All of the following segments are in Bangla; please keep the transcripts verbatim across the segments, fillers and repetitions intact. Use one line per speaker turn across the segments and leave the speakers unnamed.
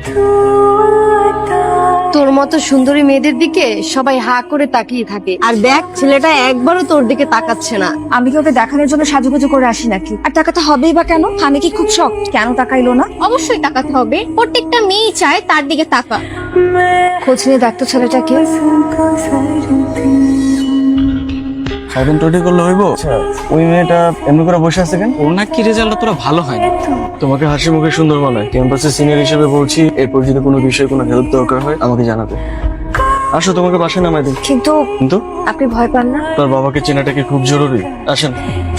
তোর মতো সুন্দরী মেয়েদের দিকে সবাই হা করে তাকিয়ে থাকে, আর দেখ ছেলেটা একবারও তোর দিকে তাকাচ্ছে না।
আমি কি ওকে দেখানোর জন্য সাজুগুজু করে আসি নাকি? আর টাকাটা হবেই বা কেন? আমি কি খুব শখ? কেন টাকাইলো না?
অবশ্যই তাকাতে হবে, প্রত্যেকটা মেয়েই চায় তার দিকে তাকা।
খোঁজ নিয়ে দেখতো ছেলেটাকে।
এখন টোটি করলে হইব? ওই মেয়েটা এমনি করে বসে আছে কেন?
ওর নাকি রেজাল্ট তোরা ভালো হয় না।
তোমাকে হাসি মুখে সুন্দর মানায়। ক্যাম্পাসের সিনিয়র হিসেবে বলছি, এরপর যদি কোনো বিষয়ে কোনো হেল্প দরকার হয় আমাকে জানাবে। আসো, তোমাকে বাসায় নামাই দিই।
কিন্তু
কিন্তু
আপনি ভয় পান না?
তোর বাবাকে চেনাটা কি খুব জরুরি? আসেন।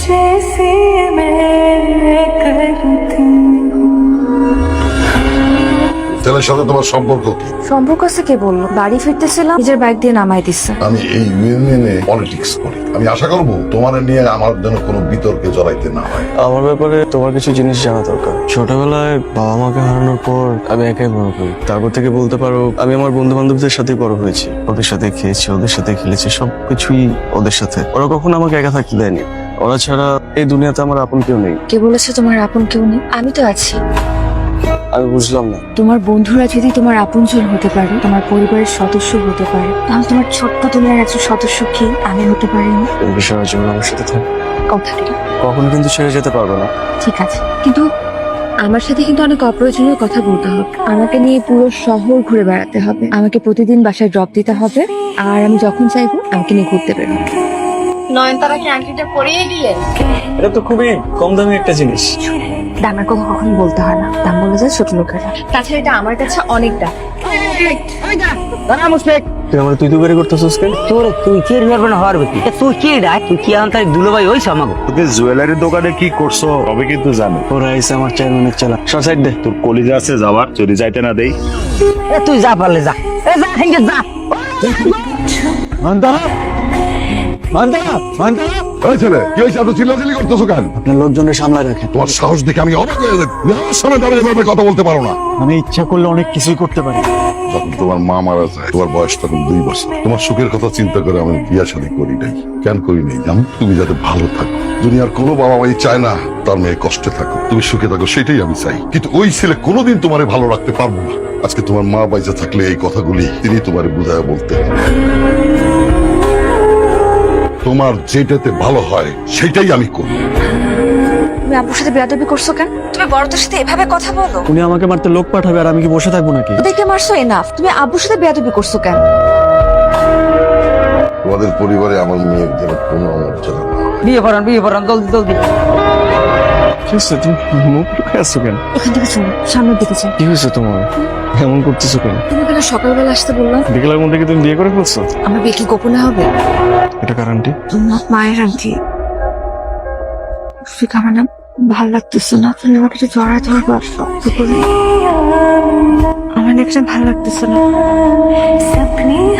ছেলের সাথে তোমার সম্পর্ক কি?
সম্পর্ক আছে কে বললো? বাড়ি ফিরতেছিলাম, নিজের বাইক দিয়ে নামাই দিচ্ছে।
আমি এই ইউনিয়নে পলিটিক্স করি। আমি আশা করবো তোমার নিয়ে আমার যেন কোনো বিতর্কে জড়াইতে না হয়।
আমার ব্যাপারে তোমার কিছু জিনিস জানা দরকার। ছোটবেলায় বাবা মাকে হারানোর পর আমি একাই বড় হই। তারপর থেকে বলতে পারো আমি আমার বন্ধু বান্ধবদের সাথে বড় হয়েছি। ওদের সাথে খেয়েছি, ওদের সাথে খেলেছি, সবকিছুই ওদের সাথে। ওরা কখনো আমাকে একা থাকতে দেয়নি। ওরা ছাড়া এই দুনিয়াতে আমার আপন কেউ নেই।
কে বলেছে তোমার আপন কেউ নেই? আমি তো আছি।
আমি বুঝলাম না।
তোমার বন্ধুরা যদি তোমার আপনজন হতে পারে, তোমার পরিবারের সদস্য হতে পারে, তাহলে তোমার ছোট্ট দুনিয়ার একজন সদস্য কি আমি হতে পারিনি?
এই বিষয়ের জন্য আমার সাথে থাক।
কথা দিলাম।
কখনো কিন্তু ছেড়ে যেতে পারবো না।
ঠিক আছে, কিন্তু আমার সাথে কিন্তু অনেক অপ্রয়োজনীয় কথা বলতে হবে। আমাকে নিয়ে পুরো শহর ঘুরে বেড়াতে হবে, আমাকে প্রতিদিন বাসায় ড্রপ দিতে হবে, আর আমি যখন চাইবো আমাকে নিয়ে ঘুরতে বেরোবো।
নয়নতারাকে আংটিটা পরিয়ে দিলেন।
এটা তো খুবই কম দামি একটা জিনিস।
দামের কথা কখনো বলতে হয় না, দাম বলে যায় ছোট লোকেরা। তাছাড়া এটা আমার কাছে অনেক দাম।
তুই আমার তুই তুই করতেছিস কেন?
তোর তুই কি পারবে না হওয়ার বেশি তুই কি ডাক তুই কি আনতাই দুলোভাই হইছ আমাকে।
তোকে জুয়েলারি দোকানে কি করছো তবে কিন্তু জানো।
ওরা এসে আমার চেয়ারম্যানের চালা সব সাইড দে।
তোর কলিজা আছে যাবার, যদি যাইতে না দেই।
এ তুই যা পারলে যা, এ যা হেঙ্গে যা।
মান্তারা মান্তারা মান্তারা
এই ছেলে, কি হয়েছে? এত চিল্লাচিল্লি করতেছো কেন?
আপনার লোকজনের সামলায় রাখেন।
তোমার সাহস দেখে আমি অবাক হয়ে যাই। আমার সামনে দাঁড়িয়ে এভাবে কথা বলতে পারো না।
আমি ইচ্ছা করলে অনেক কিছুই করতে পারি।
যখন তোমার মা মারা যায়, তোমার বয়স তখন দুই বছর। তোমার সুখের কথা চিন্তা করে আমি বিয়া শাদী করি নাই। কেন করি নাই জানো? তুমি যাতে ভালো থাকো। দুনিয়ার কোনো বাবা মাই চায় না তার মেয়ে কষ্টে থাকো, তুমি সুখে থাকো, সেটাই আমি চাই। কিন্তু ওই ছেলে কোনোদিন তোমারে ভালো রাখতে পারবো না। আজকে তোমার মা বাইজা থাকলে এই কথাগুলি তিনি তোমারে বুঝায় বলতে। তোমার যেটাতে ভালো হয় সেটাই আমি করি।
তুমি আব্বুর সাথে বেয়াদবি করছো কেন? তুমি বড়দের সাথে এভাবে কথা বলো?
উনি আমাকে মারতে লোক পাঠাবে আর আমি কি বসে থাকবো নাকি?
দেখে মারছো এনাফ। তুমি আব্বুর সাথে বেয়াদবি করছো কেন?
তোমাদের পরিবারে আমার মেয়ের যেন কোনো অমর্যাদা না হয়।
বিয়ে পড়ান বিয়ে পড়ান জলদি জলদি।
কি হয়েছে? তুমি মুখ লুকে আসছো কেন?
ওখান থেকে চলো, সামনের দিকে যাও।
কি হয়েছে তোমার? এমন করতেছো কেন?
তুমি কেন সকালবেলা আসতে বললাম?
বিকেলের মধ্যে কি তুমি বিয়ে করে ফেলছো?
আমার বিয়ে কি গোপনে হবে?
এটা কারণটি
তোমার মায়ের আন্টি। ঠিক আমার না ভাল লাগতেছে না, তুমি আমাকে একটু জড়ায় ধরবা শক্ত করে। আমার না একটা ভাল লাগতেছে না।